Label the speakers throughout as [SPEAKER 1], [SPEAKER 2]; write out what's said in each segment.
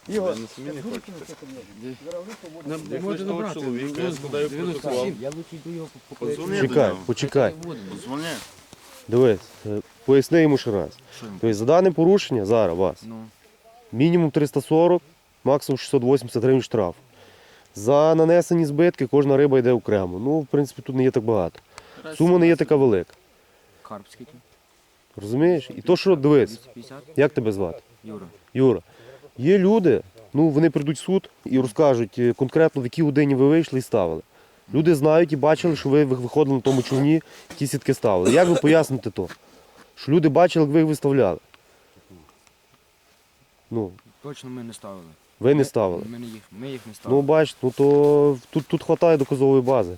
[SPEAKER 1] Ігор,
[SPEAKER 2] Ви самі не хочете.
[SPEAKER 1] можна набрати.
[SPEAKER 2] Чоловіка, я складаю протокол.
[SPEAKER 3] Я лучше йду його
[SPEAKER 2] Подзвони до
[SPEAKER 4] Почекай,
[SPEAKER 2] нього.
[SPEAKER 4] почекай.
[SPEAKER 2] Подзвони.
[SPEAKER 4] Дивись, поясни йому ще раз.
[SPEAKER 3] Що йому?
[SPEAKER 4] Тобто за дане порушення зараз вас
[SPEAKER 3] Ну,
[SPEAKER 4] мінімум 340, максимум 680 гривень штраф. За нанесені збитки кожна риба йде окремо. Ну, в принципі, тут не є так багато. Сума не є така велика.
[SPEAKER 3] карп скільки?
[SPEAKER 4] Розумієш? І то, що дивись,
[SPEAKER 3] 250?
[SPEAKER 4] як тебе звати?
[SPEAKER 3] Юра.
[SPEAKER 4] Юра, є люди, ну вони прийдуть в суд і розкажуть конкретно, в якій годині ви вийшли і ставили. Люди знають і бачили, що ви виходили на тому човні, ті сітки ставили. Як ви поясните то? Що люди бачили, як ви їх виставляли? Ну,
[SPEAKER 3] Точно ми не ставили.
[SPEAKER 4] ви не ставили.
[SPEAKER 3] Ми їх не ставили.
[SPEAKER 4] Ну, бачите, ну то тут вистачає доказової бази.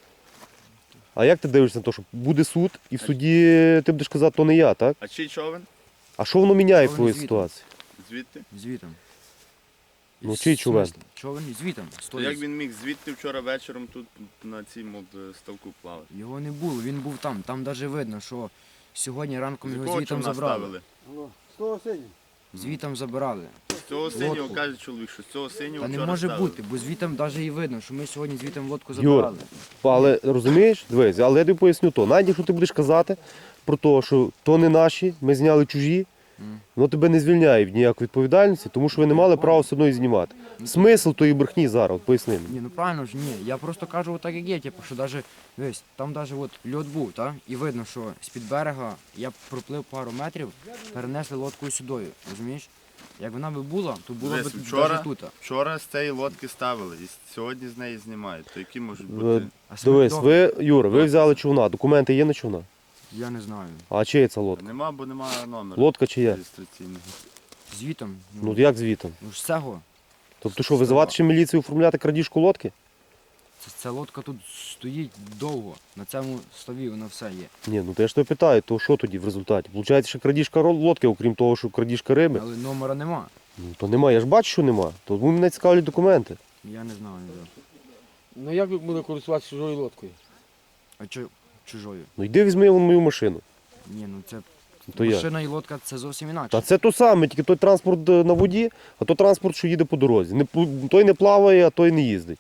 [SPEAKER 4] А як ти дивишся на те, що буде суд, і в суді ти будеш казати, то не я, так?
[SPEAKER 2] А чий човен?
[SPEAKER 4] А що воно міняє в
[SPEAKER 3] Човен
[SPEAKER 4] твоїй
[SPEAKER 3] звідти.
[SPEAKER 4] ситуації?
[SPEAKER 2] Звідти?
[SPEAKER 3] Звітом.
[SPEAKER 4] Ну, чий човен?
[SPEAKER 3] Човен звітом.
[SPEAKER 2] То
[SPEAKER 3] Стоїть.
[SPEAKER 2] як він міг звідти вчора вечором тут на цьому ставку плавати?
[SPEAKER 3] Його не було, він був там. Там навіть видно, що сьогодні ранком
[SPEAKER 2] З
[SPEAKER 3] його
[SPEAKER 2] якого
[SPEAKER 3] звітом
[SPEAKER 2] човна
[SPEAKER 3] забрали.
[SPEAKER 2] ставили?
[SPEAKER 1] З того синього.
[SPEAKER 3] Звітом забирали.
[SPEAKER 2] З цього синього,
[SPEAKER 3] Лодку.
[SPEAKER 2] каже чоловік, що з цього синього
[SPEAKER 3] Та не
[SPEAKER 2] вчора
[SPEAKER 3] може
[SPEAKER 2] ставили.
[SPEAKER 3] бути, бо звітом навіть і видно, що ми сьогодні звітом лодку
[SPEAKER 4] Юр,
[SPEAKER 3] забирали.
[SPEAKER 4] Але розумієш, дивись, але я тобі поясню то. Навіть якщо ти будеш казати про те, що то не наші, ми зняли чужі, воно тебе не звільняє від ніякої відповідальності, тому що ви не мали права все одно і знімати. Смисл тої брехні зараз, от поясни мені.
[SPEAKER 3] Ні, ну правильно ж, ні. Я просто кажу отак, як є, типу, що даже, дивись, там навіть от льод був, так? І видно, що з-під берега я проплив пару метрів, перенесли лодкою сюдою, розумієш? Як вона би була, то було б
[SPEAKER 2] Дивись, вчора,
[SPEAKER 3] навіть тут.
[SPEAKER 2] вчора з цієї лодки ставили, і сьогодні з неї знімають. То які можуть
[SPEAKER 4] Ви-
[SPEAKER 2] бути?
[SPEAKER 3] А
[SPEAKER 4] Дивись,
[SPEAKER 3] смерть
[SPEAKER 4] ви, Юра, ви взяли човна, документи є на човна?
[SPEAKER 3] Я не знаю.
[SPEAKER 4] А чия це лодка?
[SPEAKER 2] Нема, бо немає номера
[SPEAKER 4] Лодка чия?
[SPEAKER 2] реєстраційного.
[SPEAKER 3] Звітом?
[SPEAKER 4] Ну як звітом?
[SPEAKER 3] Ну ж цього.
[SPEAKER 4] Тобто що, визивати ще міліцію оформляти крадіжку лодки?
[SPEAKER 3] Ця лодка тут стоїть довго. На цьому ставі вона все є.
[SPEAKER 4] Ні, ну то я ж тебе питаю, то що тоді в результаті? Получається, що крадіжка лодки, окрім того, що крадіжка риби?
[SPEAKER 3] Але номера нема.
[SPEAKER 4] Ну то нема, я ж бачу, що нема. То мене цікавлять документи.
[SPEAKER 3] Я не знаю. Де.
[SPEAKER 1] Ну як ви будете користуватися чужою лодкою?
[SPEAKER 3] А чужою?
[SPEAKER 4] Ну йди візьми вон мою машину.
[SPEAKER 3] Ні, ну це
[SPEAKER 4] То я.
[SPEAKER 3] машина і лодка це зовсім інакше.
[SPEAKER 4] Та це то саме, тільки той транспорт на воді, а то транспорт, що їде по дорозі. Той не плаває, а той не їздить.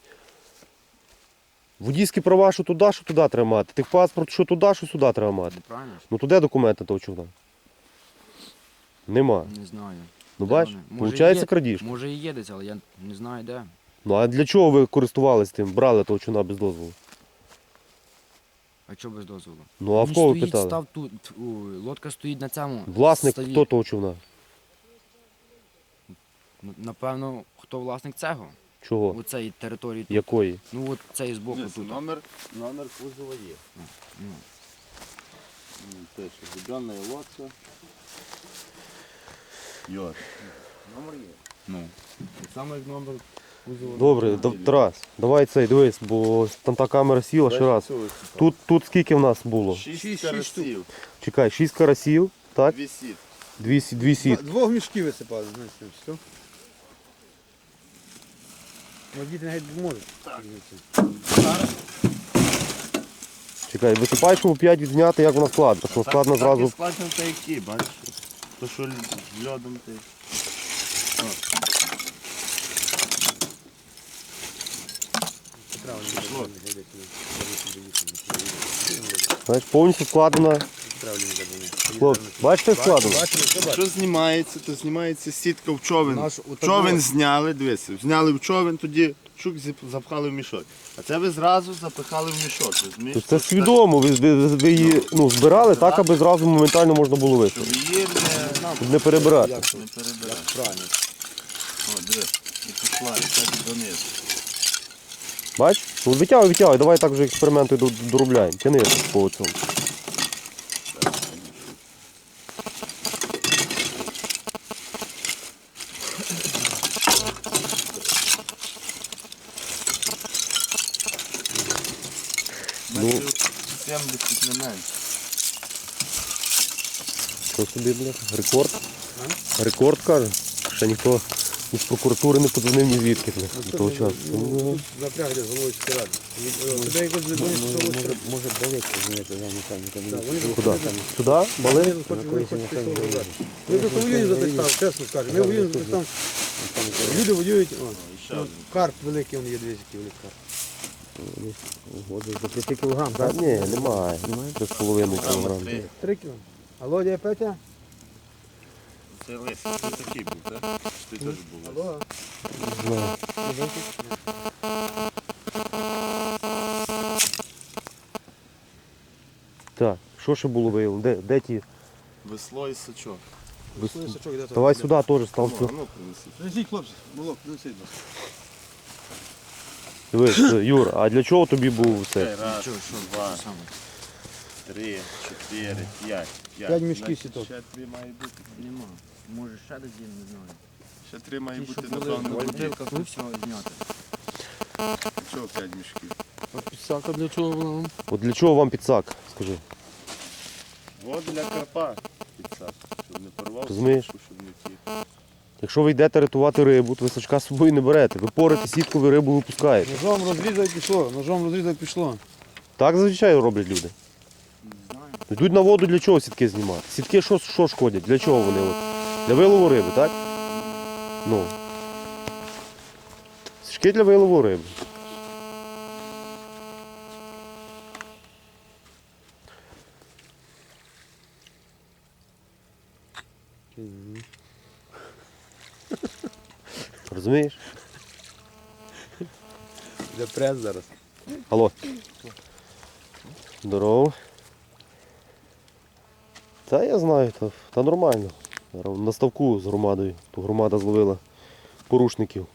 [SPEAKER 4] Водійські права, що туди треба мати. Техпаспорт, що туди, що сюди треба мати.
[SPEAKER 3] Ну, правильно ж?
[SPEAKER 4] Ну туди документи того човна? Нема.
[SPEAKER 3] Не знаю.
[SPEAKER 4] Ну
[SPEAKER 3] Де
[SPEAKER 4] бач,
[SPEAKER 3] вони? Може,
[SPEAKER 4] виходить
[SPEAKER 3] є.
[SPEAKER 4] крадіжка.
[SPEAKER 3] Може і є десь, але я не знаю де.
[SPEAKER 4] Ну а для чого ви користувались тим, брали того човна без дозволу?
[SPEAKER 3] А чого без дозволу?
[SPEAKER 4] Ну а в
[SPEAKER 3] Він
[SPEAKER 4] кого ви
[SPEAKER 3] стоїть,
[SPEAKER 4] питали?
[SPEAKER 3] став тут, лодка стоїть на цьому
[SPEAKER 4] Власник
[SPEAKER 3] ставі.
[SPEAKER 4] хто того човна?
[SPEAKER 3] Напевно, хто власник цього?
[SPEAKER 4] Чого?
[SPEAKER 3] У цій території тут.
[SPEAKER 4] Якої?
[SPEAKER 3] Ну от цей збоку тут.
[SPEAKER 2] Номер кузова є.
[SPEAKER 3] Ну.
[SPEAKER 2] Пише, зібрана лодка. Йор. Номер є. Ну. Так само як номер кузова.
[SPEAKER 4] Добре, Тарас, давай цей, дивись, бо там та камера сіла ще раз. Тут скільки в нас було?
[SPEAKER 2] 6 карасів.
[SPEAKER 4] Чекай, 6 карасів, так?
[SPEAKER 2] 2 сіт.
[SPEAKER 4] Дві сітки.
[SPEAKER 1] Двох мішків висипали, знаєте, що? Водіти навіть можуть.
[SPEAKER 4] Чекай, висипай, щоб 5 відзняти, як вона складна. Що складно зразу.
[SPEAKER 2] Так і складно та які, бачиш? То що льодом ти.
[SPEAKER 4] Знаєш, повністю складена. Хлопці, бачите, як складено?
[SPEAKER 2] Що знімається, то знімається сітка в човен.
[SPEAKER 1] Наш
[SPEAKER 2] Човен зняли, дивися, зняли в човен, тоді чук запхали в мішок. А це ви зразу запихали в мішок, розумієш?
[SPEAKER 4] Тобто це свідомо, ви її збирали так, аби зразу моментально можна було
[SPEAKER 2] Щоб
[SPEAKER 4] виставити.
[SPEAKER 2] її
[SPEAKER 4] Щоб не перебирати.
[SPEAKER 2] не перебирати. Правильно. О, дивись, і пішла, і так донизу.
[SPEAKER 4] Бач? Ну витягуй, давай так вже експерименти доробляємо. Тяни по цьому. Ну.
[SPEAKER 2] 70 не менше.
[SPEAKER 4] Що собі, бля? Рекорд? Рекорд, каже. Ще ніхто Із прокуратури не подзвонив ні звідки до того часу.
[SPEAKER 1] Тут запряг де з головою ради. Тебе якось не думаєш, що ось це?
[SPEAKER 5] Може болить, розумієте, за механіка.
[SPEAKER 4] Куди? Туди? Бали?
[SPEAKER 1] Ми просто воюємо за той став, чесно скажу. Ми воюємо за той став. Люди воюють. Карп великий, він є 200 великий карп.
[SPEAKER 5] За 5 кілограм,
[SPEAKER 4] Та
[SPEAKER 5] так?
[SPEAKER 4] ні, немає. 3,5 кг.
[SPEAKER 1] 3 кіло. Алло, дядя Петя?
[SPEAKER 2] Це лис, ти такий був, так? Ти теж був.
[SPEAKER 1] Алло.
[SPEAKER 4] Знаю. Так, що ще було виявлено? Де ті?
[SPEAKER 2] Весло і сачок.
[SPEAKER 4] Давай сюди теж став.
[SPEAKER 2] Ну, принеси.
[SPEAKER 1] Несіть, хлопці, молок, несіть.
[SPEAKER 4] Дивись, Юр, а для чого тобі був це?
[SPEAKER 2] Раз,
[SPEAKER 3] Що,
[SPEAKER 2] два,
[SPEAKER 3] саме?
[SPEAKER 2] 3, 4, 5.
[SPEAKER 1] 5 мішків сіток.
[SPEAKER 2] Ще 3 має бути.
[SPEAKER 3] Нема. Може ще десь є, не знаю.
[SPEAKER 2] Ще 3 має
[SPEAKER 3] Ті, що
[SPEAKER 2] бути,
[SPEAKER 3] були в
[SPEAKER 2] напевно, воді.
[SPEAKER 3] бутилках, ну все зняти.
[SPEAKER 2] Чого 5 мішків?
[SPEAKER 1] А підсака для чого вона?
[SPEAKER 4] От для чого вам підсак, скажи?
[SPEAKER 2] От для карпа підсак, щоб не порвав
[SPEAKER 4] Розумієш?
[SPEAKER 2] сітку, щоб не ті.
[SPEAKER 4] Якщо ви йдете рятувати рибу, то ви сачка з собою не берете. Ви порите сітку, ви рибу випускаєте.
[SPEAKER 1] Ножом розрізав і пішло, ножом розрізав і пішло.
[SPEAKER 4] Так зазвичай роблять люди.
[SPEAKER 3] Не знаю.
[SPEAKER 4] Йдуть на воду для чого сітки знімати? Сітки що шкодять? Для чого вони? От? Для вилову риби, так? Ну. Сітки для вилову риби. Розумієш?
[SPEAKER 1] Де прес зараз.
[SPEAKER 4] Алло. Здорово. Та я знаю, та нормально. Зараз на ставку з громадою. То громада зловила порушників.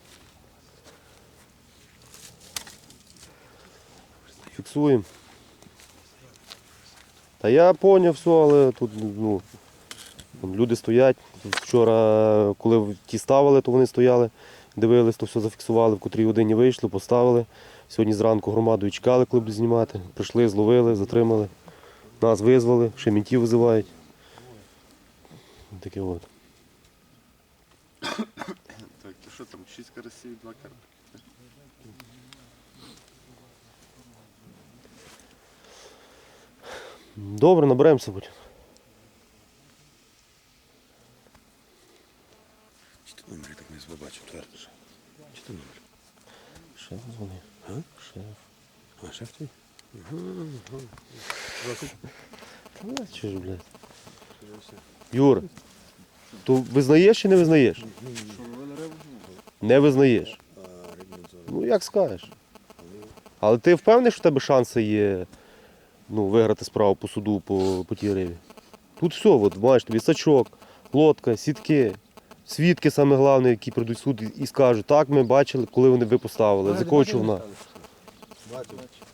[SPEAKER 4] Фіксуємо. Та я поняв все, але тут ну, там люди стоять. Вчора, коли ті ставили, то вони стояли, дивились, то все зафіксували, в котрій годині вийшли, поставили. Сьогодні зранку громадою чекали, коли будуть знімати. Прийшли, зловили, затримали. Нас визвали, ще мінтів визивають. Таке от.
[SPEAKER 2] Так, то що там, 6 карасів, 2 карпи?
[SPEAKER 4] Добре, наберемося будь.
[SPEAKER 1] Чи ти номер так не побачив, твердо ж. Чи ти номер?
[SPEAKER 4] Шеф дзвонив. Шеф.
[SPEAKER 1] А, шеф твій?
[SPEAKER 4] Та чи ж, блядь. Юра, то визнаєш чи не визнаєш? Не визнаєш. Ну як скажеш. Але ти впевнений, що в тебе шанси є виграти справу по суду по тій рибі? Тут все, от, маєш тобі сачок, лодка, сітки, свідки саме головне, які прийдуть в суд і скажуть, так, ми бачили, коли вони ви поставили, з якого човна.
[SPEAKER 1] Бачу.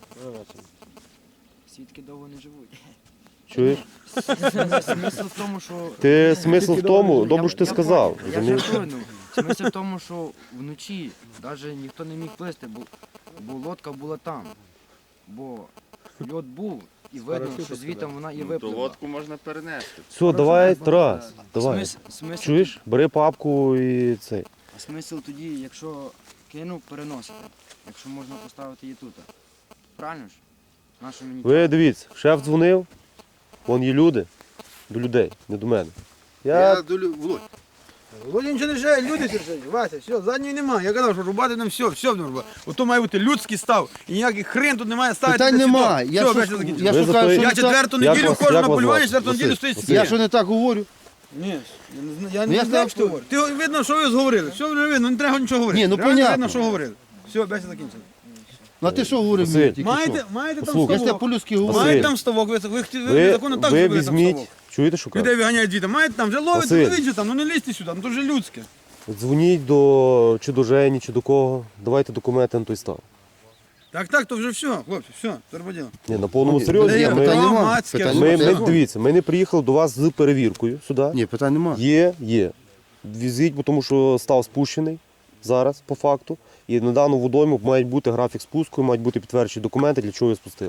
[SPEAKER 3] Свідки довго не живуть.
[SPEAKER 4] Чуєш?
[SPEAKER 3] Смисл в тому, що...
[SPEAKER 4] Смисл в тому, добре, що ти сказав.
[SPEAKER 3] Я
[SPEAKER 4] розумієш?
[SPEAKER 3] жартую, ну. Смисл в тому, що вночі навіть ніхто не міг плисти, бо лодка була там. Бо льод був, і видно, що звідти вона і
[SPEAKER 2] Ну, то
[SPEAKER 3] випливла.
[SPEAKER 2] лодку можна перенести.
[SPEAKER 4] Все, давай, Тарас, давай.
[SPEAKER 3] Смисл,
[SPEAKER 4] Чуєш? Бери папку і цей.
[SPEAKER 3] А смисл тоді, якщо кинув, переносити. Якщо можна поставити її тут. Правильно ж? Нащо мені
[SPEAKER 4] Ви дивіться, шеф дзвонив, вон є люди, до людей, не до мене. Я
[SPEAKER 2] Володь.
[SPEAKER 1] Володя нічого не жає, люди сержать. Вася, все, задньої немає. Я казав, що рубати нам все будемо робити. Ото має бути людський став. І ніякий хрен тут немає ставити.
[SPEAKER 5] Питань
[SPEAKER 1] на сідок.
[SPEAKER 5] нема. Я
[SPEAKER 1] Все,
[SPEAKER 5] що-
[SPEAKER 1] бачите, закінчили.
[SPEAKER 5] я
[SPEAKER 4] Ви
[SPEAKER 5] що
[SPEAKER 4] за
[SPEAKER 5] кажу,
[SPEAKER 4] той-
[SPEAKER 5] що
[SPEAKER 1] Я
[SPEAKER 5] не так-
[SPEAKER 1] четверту
[SPEAKER 4] Як
[SPEAKER 1] неділю
[SPEAKER 4] вас-
[SPEAKER 1] ходжу
[SPEAKER 4] як
[SPEAKER 1] на
[SPEAKER 4] вас
[SPEAKER 1] полювання,
[SPEAKER 4] звати?
[SPEAKER 1] четверту неділю
[SPEAKER 4] Василь,
[SPEAKER 1] стоїть
[SPEAKER 4] Василь.
[SPEAKER 1] сидить.
[SPEAKER 5] Я що не так говорю?
[SPEAKER 1] Ні, я
[SPEAKER 5] Ну,
[SPEAKER 1] не
[SPEAKER 5] я
[SPEAKER 1] знаю,
[SPEAKER 5] знав,
[SPEAKER 1] що ти говориш. Ти видно, що ви зговорили. Все вже видно, не треба нічого говорити.
[SPEAKER 5] Ні, ну,
[SPEAKER 1] Реально
[SPEAKER 5] понятно.
[SPEAKER 1] видно, що говорили. Все, бесіда закінчена.
[SPEAKER 5] Ну а ти що говорив
[SPEAKER 4] Василь.
[SPEAKER 5] мені тільки
[SPEAKER 1] Маєте,
[SPEAKER 5] що?
[SPEAKER 1] маєте там
[SPEAKER 4] Послухай,
[SPEAKER 5] Я ж тебе
[SPEAKER 1] ставок?
[SPEAKER 5] по-людськи говорю.
[SPEAKER 4] Василь.
[SPEAKER 1] Маєте там ставок, ви
[SPEAKER 4] ви,
[SPEAKER 1] законно так
[SPEAKER 4] ви
[SPEAKER 1] зробили там
[SPEAKER 4] візьміть,
[SPEAKER 1] ставок.
[SPEAKER 4] чуєте, що кажу?
[SPEAKER 1] Людей виганяють звідти. Маєте там, вже ловите,
[SPEAKER 4] Василь.
[SPEAKER 1] ловіть же там, ну не лізьте сюди, ну то вже людське.
[SPEAKER 4] Дзвоніть чи до Жені, чи до кого, давайте документи на той став.
[SPEAKER 1] Так, то вже все, хлопці, все, терподіло.
[SPEAKER 4] Ні, на повному серйозі.
[SPEAKER 5] Ні,
[SPEAKER 4] Ми,
[SPEAKER 5] питань нема.
[SPEAKER 1] Громадське.
[SPEAKER 5] Питань
[SPEAKER 4] ми,
[SPEAKER 5] нема.
[SPEAKER 4] дивіться, ми не приїхали до вас з перевіркою сюди.
[SPEAKER 5] Ні, питань нема.
[SPEAKER 4] Є. Візіть, бо тому що став спущений зараз, по факту. І на дану водойму має бути графік спуску, мають бути підтверджені документи, для чого його спустили.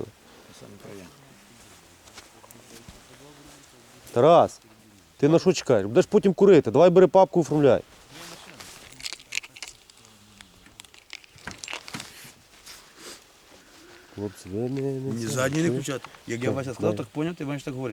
[SPEAKER 4] Тарас, ти на що чекаєш? Будеш потім курити. Давай бери папку, оформляй. Хлопці, ви не
[SPEAKER 1] Ні,
[SPEAKER 4] це,
[SPEAKER 1] задній не
[SPEAKER 4] ви-
[SPEAKER 1] включати. Як я Вася сказав, так поняв, ти маєш так говорити.